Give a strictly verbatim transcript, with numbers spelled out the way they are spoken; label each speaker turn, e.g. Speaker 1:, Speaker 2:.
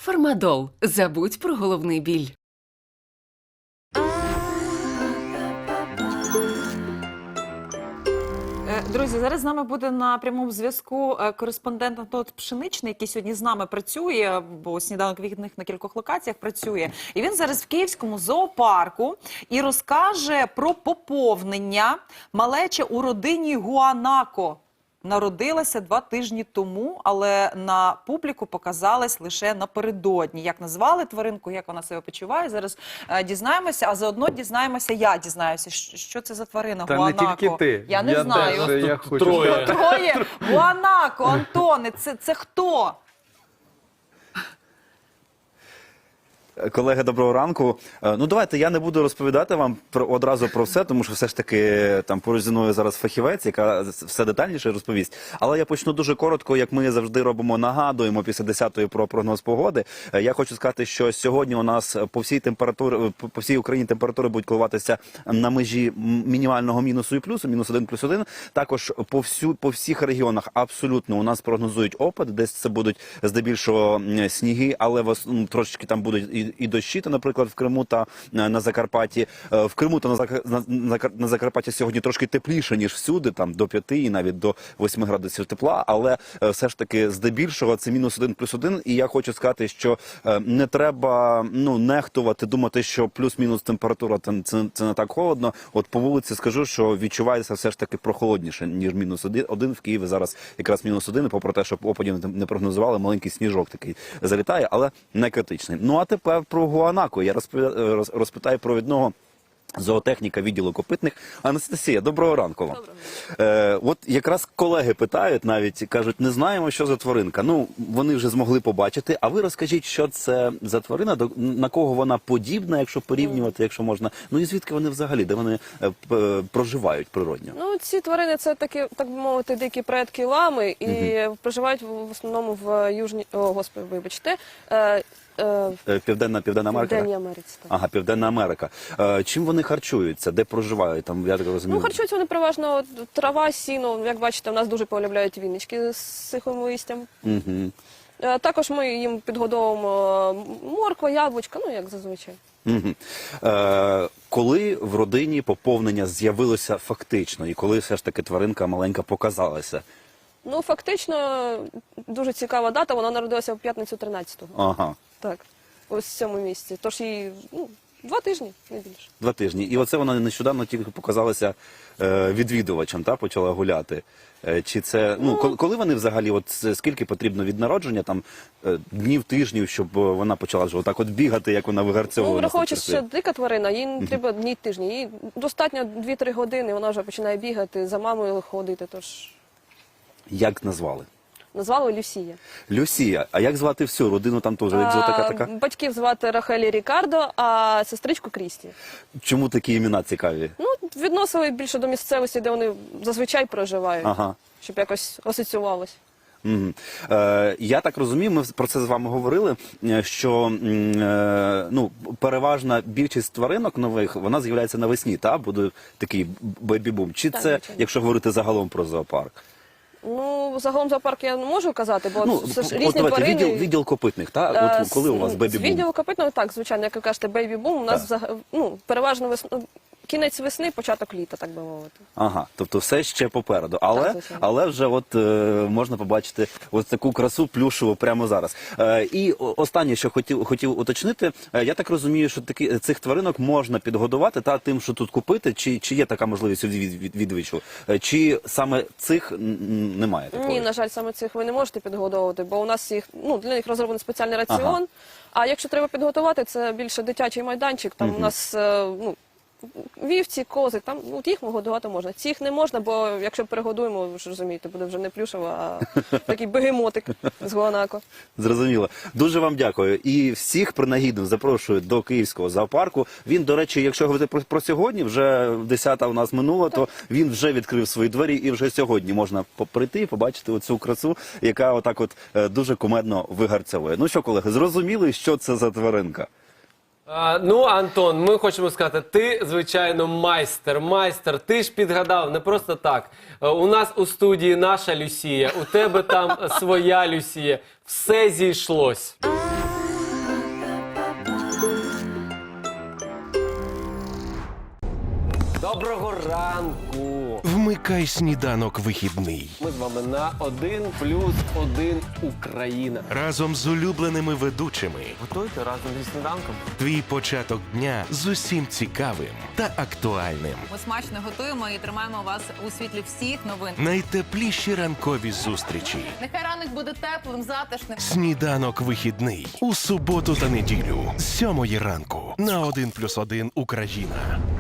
Speaker 1: Фармадол. Забудь про головний біль.
Speaker 2: Друзі, зараз з нами буде на прямому зв'язку кореспондент Антон Пшеничний, який сьогодні з нами працює, бо сніданок вихідних на кількох локаціях працює. І він зараз в Київському зоопарку і розкаже про поповнення малеча у родині Гуанако. Народилася два тижні тому, але на публіку показалась лише напередодні. Як назвали тваринку, як вона себе почуває, зараз е, дізнаємося, а заодно дізнаємося, я дізнаюся, що це за тварина
Speaker 3: Та
Speaker 2: Гуанако.
Speaker 3: не тільки ти.
Speaker 2: Я не
Speaker 3: я
Speaker 2: знаю.
Speaker 3: Теж, я хочу
Speaker 4: троє.
Speaker 2: Троє. Гуанако, Антоне, це, це хто?
Speaker 5: Колеги, доброго ранку. Ну, давайте, я не буду розповідати вам про, одразу про все, тому що все ж таки там поруч зі мною зараз фахівець, яка все детальніше розповість. Але я почну дуже коротко, як ми завжди робимо, нагадуємо після десятої про прогноз погоди. Я хочу сказати, що сьогодні у нас по всій температурі, по всій Україні температури будуть коливатися на межі мінімального мінусу і плюсу, мінус один плюс один. Також по, всю, по всіх регіонах абсолютно у нас прогнозують опад, десь це будуть здебільшого сніги, але ну, трошечки там будуть і і дощі, то, наприклад, в Криму та на Закарпатті. В Криму та на, Зак... на... на Закарпатті сьогодні трошки тепліше, ніж всюди, там до п'яти і навіть до восьми градусів тепла, але все ж таки здебільшого це мінус один плюс один, і я хочу сказати, що не треба ну, нехтувати, думати, що плюс-мінус температура це, це, це не так холодно. От по вулиці скажу, що відчувається все ж таки прохолодніше, ніж мінус один. В Києві зараз якраз мінус один, попри те, що опадів не прогнозували, маленький сніжок такий залітає, але не критичний. Ну а тепер про Гуанако. Я розпитаю провідного зоотехніка відділу копитних. Анастасія, доброго ранку вам.
Speaker 2: Доброго.
Speaker 5: Е, от якраз колеги питають, навіть кажуть, не знаємо, що за тваринка. Ну, вони вже змогли побачити. А ви розкажіть, що це за тварина, до, на кого вона подібна, якщо порівнювати, якщо можна. Ну і звідки вони взагалі, де вони е, е, проживають природньо?
Speaker 4: Ну, ці тварини це такі, так би мовити, дикі предки лами і
Speaker 5: Мгм.
Speaker 4: проживають в основному в Южній, о, господи, вибачте, е, е,
Speaker 5: Е, Південна, Південна
Speaker 4: в
Speaker 5: Америка?
Speaker 4: Південній Америці. Так.
Speaker 5: Ага, Південна Америка. Е, чим вони харчуються? Де проживають? Там, я так розумію.
Speaker 4: Ну, харчуються вони переважно от, трава, сіно. Як бачите, в нас дуже полюбляють віннички з сухим листям.
Speaker 5: Угу.
Speaker 4: Е, також ми їм підгодовуємо морква, яблучка, ну, як зазвичай.
Speaker 5: Угу. Е, коли в родині поповнення з'явилося фактично, і коли все ж таки тваринка маленька показалася?
Speaker 4: Ну, фактично, дуже цікава дата, вона народилася в п'ятницю тринадцятого.
Speaker 5: Ага.
Speaker 4: Так, ось в цьому місці. Тож їй, ну, два тижні, не більше.
Speaker 5: Два тижні. І оце вона нещодавно тільки показалася е, відвідувачам, та, почала гуляти. Е, чи це, ну,
Speaker 4: Ну,
Speaker 5: коли, коли вони взагалі, от скільки потрібно від народження, там, е, днів, тижнів, щоб вона почала вже отак от бігати, як вона вигарцьовувала?
Speaker 4: Ну, враховуючи,
Speaker 5: на
Speaker 4: що дика тварина, їй не треба дні тижні. Їй достатньо дві-три години, вона вже починає бігати, за мамою ходити, тож
Speaker 5: Як назвали?
Speaker 4: назвали Люсія.
Speaker 5: Люсія. А як звати всю родину, там теж екзотика
Speaker 4: А,
Speaker 5: така?
Speaker 4: Батьків звати Рахель і Рікардо, а сестричку Крісті.
Speaker 5: Чому такі імена цікаві?
Speaker 4: Ну, відносили більше до місцевості, де вони зазвичай проживають,
Speaker 5: Ага.
Speaker 4: щоб якось асоціювалось.
Speaker 5: Угу. Е, я так розумію, ми про це з вами говорили, е, що м, е, ну, переважна більшість тваринок нових, вона з'являється навесні, та? Буде такий бейбі-бум. Чи
Speaker 4: Так,
Speaker 5: це,
Speaker 4: звичайно.
Speaker 5: якщо говорити загалом про зоопарк?
Speaker 4: Ну, загалом зоопарк я не можу казати, бо
Speaker 5: Ну,
Speaker 4: це ж
Speaker 5: от
Speaker 4: різні
Speaker 5: давайте,
Speaker 4: тварини.
Speaker 5: відділ, відділ копитних, та?
Speaker 4: Е,
Speaker 5: От коли у вас
Speaker 4: з- З
Speaker 5: бейбі-бум?
Speaker 4: відділу копитного, так, звичайно, як ви кажете, бейбі-бум, у нас взаг- ну, переважно весну, кінець весни, початок літа, так би мовити.
Speaker 5: Ага, тобто все ще попереду. Але,
Speaker 4: Так, звичайно.
Speaker 5: але вже от е, можна побачити ось таку красу плюшеву прямо зараз. Е, і о- останнє, що хотів, хотів уточнити, е, я так розумію, що такі, цих тваринок можна підгодувати та тим, що тут купити, чи, чи є така можливість у від, від, відвічу? Е, чи саме цих м, м, немає такої?
Speaker 4: Ні, на жаль, саме цих ви не можете підгодовувати, бо у нас їх, ну, для них розроблений спеціальний раціон.
Speaker 5: Ага.
Speaker 4: А якщо треба підготувати, це більше дитячий майданчик. Там у нас е, ну, вівці, кози, там ну, їх годувати можна. Цих не можна, бо якщо перегодуємо, ви ж розумієте, буде вже не плюшева, а такий бегемотик з Гуанако.
Speaker 5: Зрозуміло. Дуже вам дякую. І всіх принагідно запрошую до Київського зоопарку. Він, до речі, якщо говорити про, про сьогодні, вже десята у нас минуло, то він вже відкрив свої двері і вже сьогодні можна прийти і побачити оцю красу, яка отак от е, дуже кумедно вигарцьовує. Ну що, колеги, зрозуміли, що це за тваринка?
Speaker 3: А, ну, Антон, ми хочемо сказати, ти, звичайно, майстер, майстер, ти ж підгадав, не просто так. Е, У нас у студії наша Люсія, у тебе там своя Люсія, все зійшлось. Доброго ранку!
Speaker 6: Вмикай сніданок вихідний.
Speaker 3: Ми з вами на один плюс один Україна.
Speaker 6: Разом з улюбленими ведучими.
Speaker 3: Готуйте разом зі сніданком.
Speaker 6: Твій початок дня з усім цікавим та актуальним.
Speaker 7: Ми смачно готуємо і тримаємо вас у світлі всіх новин.
Speaker 6: Найтепліші ранкові зустрічі.
Speaker 7: Нехай ранок буде теплим, затишним.
Speaker 6: Сніданок вихідний. У суботу та неділю з сьомої ранку на один плюс один Україна.